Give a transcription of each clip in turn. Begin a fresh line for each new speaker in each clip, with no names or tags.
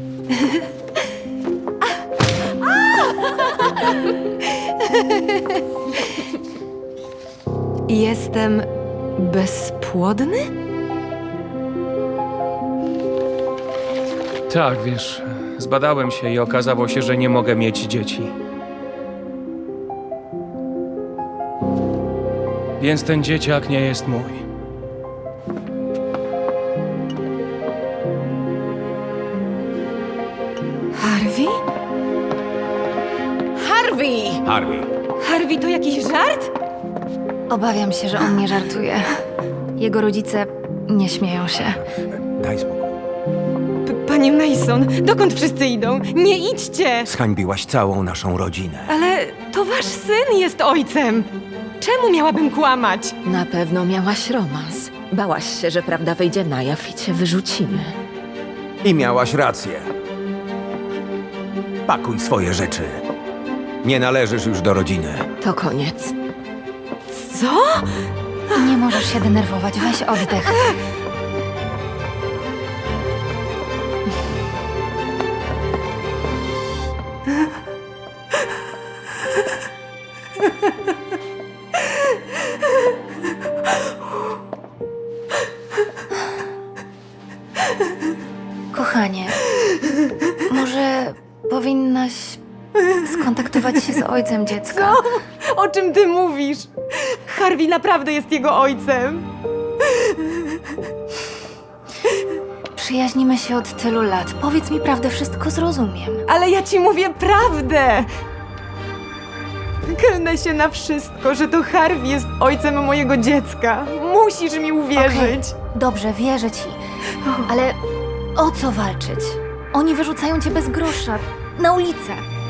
Jestem bezpłodny?
Tak, wiesz, zbadałem się i okazało się, że nie mogę mieć dzieci. Więc ten dzieciak nie jest mój.
Harvey? Harvey!
Harvey,
Harvey to jakiś żart?
Obawiam się, że on nie żartuje. Jego rodzice nie śmieją się.
daj spokój.
Panie Mason, dokąd wszyscy idą? Nie idźcie!
Zhańbiłaś całą naszą rodzinę.
Ale to wasz syn jest ojcem! Czemu miałabym kłamać?
Na pewno miałaś romans. Bałaś się, że prawda wyjdzie na jaw i cię wyrzucimy.
I miałaś rację. Pakuj swoje rzeczy. Nie należysz już do rodziny.
To koniec.
Co?
Nie możesz się denerwować, weź oddech. Kochanie, może powinnaś skontaktować się z ojcem dziecka.
O czym ty mówisz? Harvey naprawdę jest jego ojcem.
Przyjaźnimy się od tylu lat. Powiedz mi prawdę, wszystko zrozumiem.
Ale ja ci mówię prawdę! Klnę się na wszystko, że to Harvey jest ojcem mojego dziecka. Musisz mi uwierzyć.
Okej, dobrze, wierzę ci. Ale o co walczyć? Oni wyrzucają cię bez grosza. Na ulicę.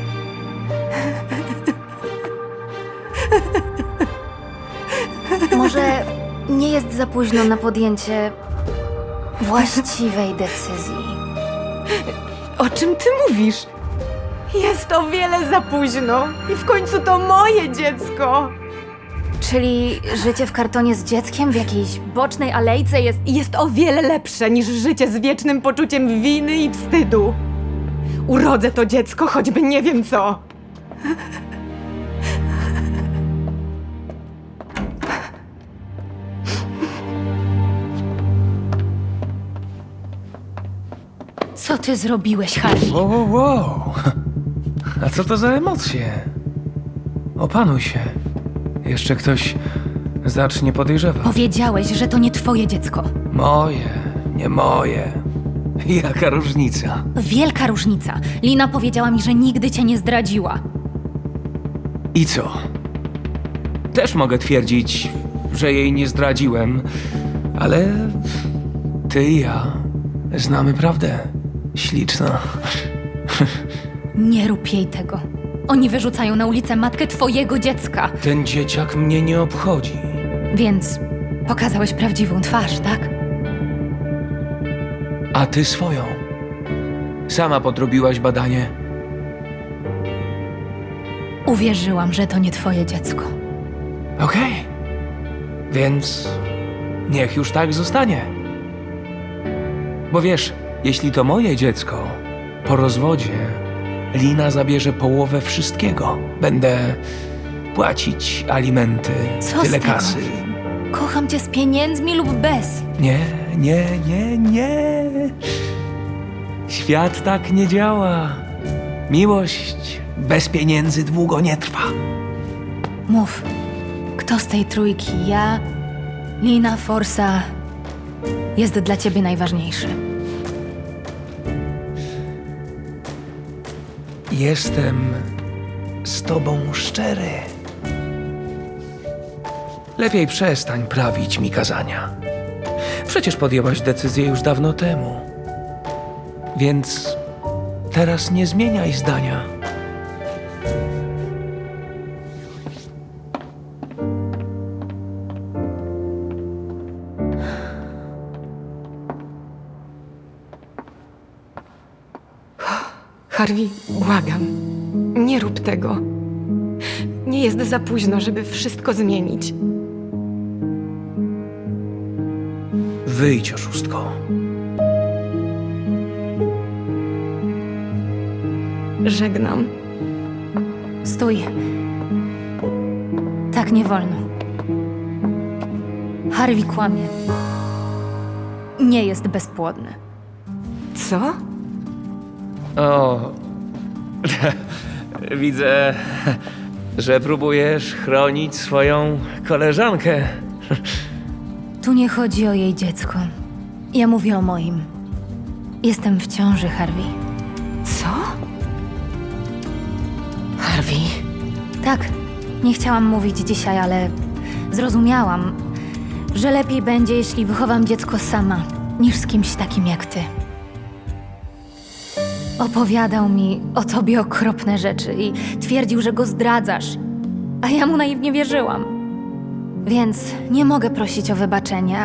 Może nie jest za późno na podjęcie właściwej decyzji.
O czym ty mówisz? Jest o wiele za późno. I w końcu to moje dziecko.
Czyli życie w kartonie z dzieckiem w jakiejś bocznej alejce
Jest o wiele lepsze niż życie z wiecznym poczuciem winy i wstydu. Urodzę to dziecko, choćby nie wiem co.
Co ty zrobiłeś, Harvey?
Wow. A co to za emocje? Opanuj się. Jeszcze ktoś zacznie podejrzewać.
Powiedziałeś, że to nie twoje dziecko.
Moje, nie moje. Jaka różnica?
Wielka różnica. Lina powiedziała mi, że nigdy cię nie zdradziła.
I co? Też mogę twierdzić, że jej nie zdradziłem, ale ty i ja znamy prawdę. Śliczna.
Nie rób jej tego. Oni wyrzucają na ulicę matkę twojego dziecka.
Ten dzieciak mnie nie obchodzi.
Więc pokazałeś prawdziwą twarz, tak?
A ty swoją. Sama podrobiłaś badanie.
Uwierzyłam, że to nie twoje dziecko.
Okej. Więc niech już tak zostanie. Bo wiesz, jeśli to moje dziecko, po rozwodzie Lina zabierze połowę wszystkiego. Będę płacić alimenty,
Co z
tyle
tego?
kasy.
Kocham cię z pieniędzmi lub bez.
Nie. Świat tak nie działa. Miłość bez pieniędzy długo nie trwa.
Mów, kto z tej trójki, ja, Lina, Forsa, jest dla ciebie najważniejszy?
Jestem z tobą szczery. Lepiej przestań prawić mi kazania. Przecież podjęłaś decyzję już dawno temu. Więc teraz nie zmieniaj zdania.
Harvey, błagam. Nie rób tego. Nie jest za późno, żeby wszystko zmienić.
Wyjdź, oszustko.
Żegnam.
Stój. Tak nie wolno. Harvey kłamie. Nie jest bezpłodny.
Co?
O, widzę, że próbujesz chronić swoją koleżankę.
Tu nie chodzi o jej dziecko. Ja mówię o moim. Jestem w ciąży, Harvey.
Co?
Harvey,
Tak, nie chciałam mówić dzisiaj, ale zrozumiałam, że lepiej będzie, jeśli wychowam dziecko sama, niż z kimś takim jak ty. Opowiadał mi o tobie okropne rzeczy i twierdził, że go zdradzasz, a ja mu naiwnie wierzyłam. Więc nie mogę prosić o wybaczenie,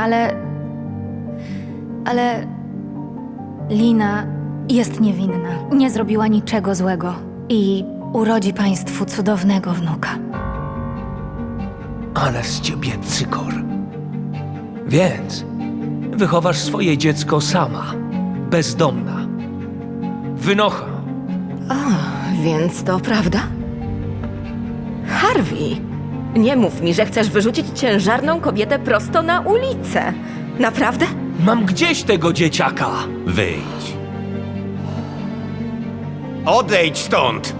ale Lina jest niewinna. Nie zrobiła niczego złego i urodzi państwu cudownego wnuka.
Ale z ciebie cykor. Więc wychowasz swoje dziecko sama, bezdomna. Wynocha.
więc to prawda? Harvey, nie mów mi, że chcesz wyrzucić ciężarną kobietę prosto na ulicę. Naprawdę?
Mam gdzieś tego dzieciaka.
Wyjdź. Odejdź stąd!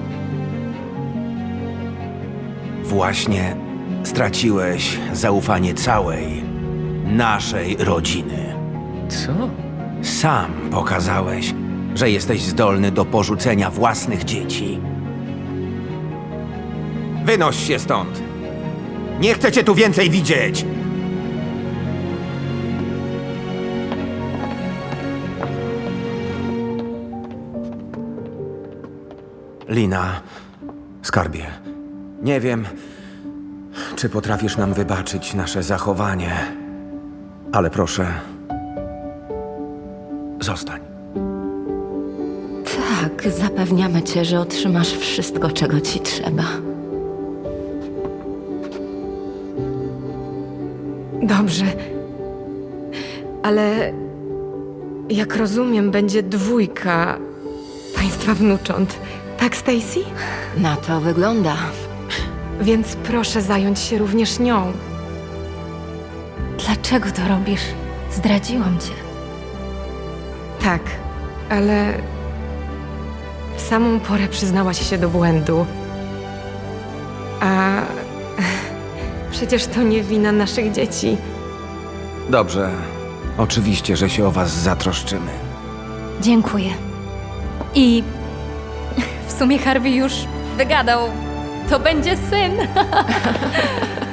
Właśnie straciłeś zaufanie całej naszej rodziny.
Co?
Sam pokazałeś, że jesteś zdolny do porzucenia własnych dzieci. Wynoś się stąd! Nie chcę cię tu więcej widzieć! Lina, skarbie, nie wiem, czy potrafisz nam wybaczyć nasze zachowanie, ale proszę, zostań.
Tak, zapewniamy cię, że otrzymasz wszystko, czego ci trzeba.
Dobrze. Ale jak rozumiem, będzie 2 państwa wnucząt. Tak, Stacy?
Na to wygląda.
Więc proszę zająć się również nią.
Dlaczego to robisz? Zdradziłam cię.
Tak, ale w samą porę przyznałaś się do błędu. A przecież to nie wina naszych dzieci.
Dobrze, oczywiście, że się o was zatroszczymy.
Dziękuję. I w sumie Harvey już wygadał. To będzie syn.